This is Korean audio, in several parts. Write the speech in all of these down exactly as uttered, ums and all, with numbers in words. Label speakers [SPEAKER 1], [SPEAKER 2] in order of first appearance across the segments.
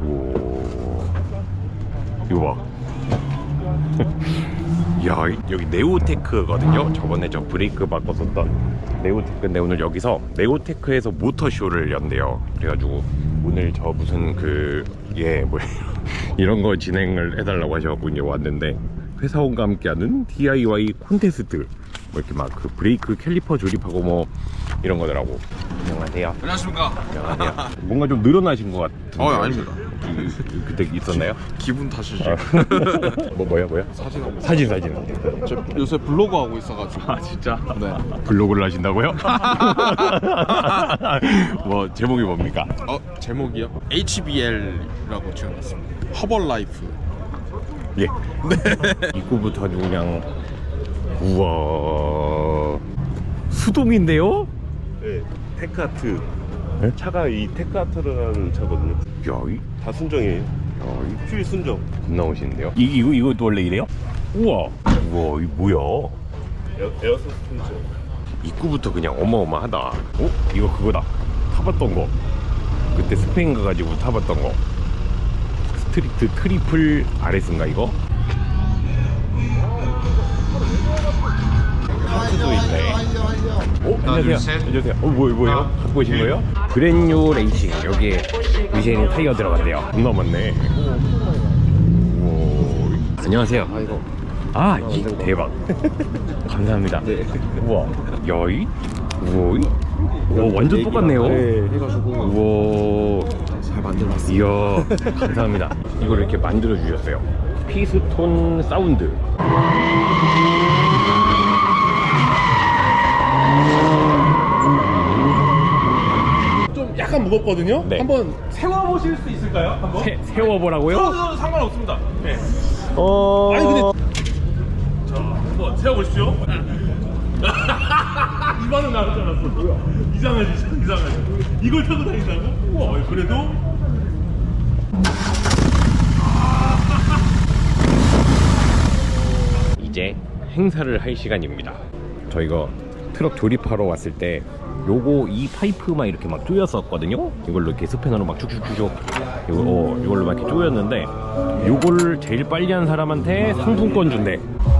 [SPEAKER 1] 오, 이거 봐. 야, 여기 네오테크거든요. 저번에 저 브레이크 바꿨었던 네오테크인데 오늘 여기서 네오테크에서 모터쇼를 연대요. 그래가지고 오늘 저 무슨 그 예 뭐 이런 거 진행을 해달라고 하셔갖고 이제 왔는데, 회사원과 함께하는 디아이와이 콘테스트 뭐 이렇게 막 그 브레이크 캘리퍼 조립하고 뭐 이런 거더라고. 안녕하세요.
[SPEAKER 2] 안녕하십니까.
[SPEAKER 1] 안녕하세요. 뭔가 좀 늘어나신 것 같은데.
[SPEAKER 2] 어, 아닙니다.
[SPEAKER 1] 그때 있었나요?
[SPEAKER 2] 기분 탓이죠.
[SPEAKER 1] 뭐 뭐야 뭐야?
[SPEAKER 2] 사진하고.
[SPEAKER 1] 사진 사진.
[SPEAKER 2] 저 요새 블로그 하고 있어가지고.
[SPEAKER 1] 아 진짜?
[SPEAKER 2] 네.
[SPEAKER 1] 블로그를 하신다고요? 뭐 제목이 뭡니까?
[SPEAKER 2] 어, 제목이요? 에이치비엘이라고 지어놨습니다. 허벌라이프.
[SPEAKER 1] 예. 네. 입구부터 아주 그냥 우와 수동인데요?
[SPEAKER 3] 네, 테크아트.
[SPEAKER 1] 네?
[SPEAKER 3] 차가 이 테크아트라는 차거든요.
[SPEAKER 1] 야, 이,
[SPEAKER 3] 다 순정이에요.
[SPEAKER 1] 야, 이
[SPEAKER 3] 퓨일 순정.
[SPEAKER 1] 겁나 멋있는데요? 이 이거 이것도 원래 이래요? 우와, 우와, 이 뭐야?
[SPEAKER 3] 에어, 에어 서스펜션.
[SPEAKER 1] 입구부터 그냥 어마어마하다. 어? 이거 그거다. 타봤던 거. 그때 스페인 가가지고 타봤던 거. 스트리트 트리플 아레스인가 이거? 카트도 있네. 어? 안녕하세요. 안녕하세요. 어, 뭐, 뭐예요? 갖고 오신 거예요? 브랜뉴 레이싱. 여기에 미쉐린 타이어 들어갔대요. 겁나 많네. 우와. 안녕하세요.
[SPEAKER 3] 아이고.
[SPEAKER 1] 아, 이 대박. 감사합니다.
[SPEAKER 3] 네.
[SPEAKER 1] 우와. 여이? 우와. 오, 완전 똑같네요.
[SPEAKER 3] 네, 해가지고
[SPEAKER 1] 우와.
[SPEAKER 3] 잘 만들어놨어요.
[SPEAKER 1] 이야, 감사합니다. 이걸 이렇게 만들어 주셨어요. 피스톤 사운드.
[SPEAKER 4] 좀 약간 무겁거든요.
[SPEAKER 1] 네.
[SPEAKER 4] 한번 세워보실 수 있을까요? 한번?
[SPEAKER 1] 세, 세워보라고요?
[SPEAKER 4] 세워도 상관없습니다. 네.
[SPEAKER 1] 어.
[SPEAKER 4] 아니 근데 자 한번 세워보십시오. 이 반응 나올 줄 알았어. 뭐야? 이상하지, 이상하지. 이걸 타고 다닌다고? 우와, 그래도
[SPEAKER 1] 이제 행사를 할 시간입니다. 저희가 트럭 조립하러 왔을 때 요거 이 파이프만 이렇게 막 조였었거든요. 이걸로 이렇게 스패너로 막 쭉쭉쭉쭉 이거 어, 이걸로 막 이렇게 조였는데, 요거를 제일 빨리 한 사람한테 상품권 준대.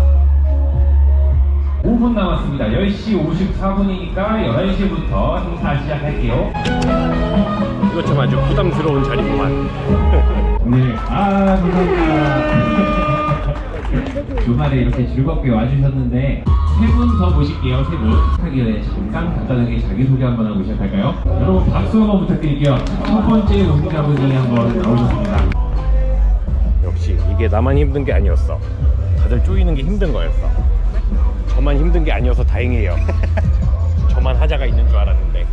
[SPEAKER 5] 오 분 남았습니다. 열 시 오십사 분이니까 열한 시부터 행사 시작할게요.
[SPEAKER 1] 이거 참 아주 부담스러운 자리구만.
[SPEAKER 5] 네, 아, 감사합니다. 주말에 이렇게 즐겁게 와주셨는데 세 분 더 모실게요. 세 분. 하기 전에 잠깐 간단하게 자기소개 한번 하고 시작할까요? 여러분 박수 한번 부탁드릴게요. 첫 번째 우승자분이 한번 나오셨습니다.
[SPEAKER 1] 역시 이게 나만 힘든 게 아니었어. 다들 쪼이는 게 힘든 거였어. 저만 힘든 게 아니어서 다행이에요. 저만 하자가 있는 줄 알았는데.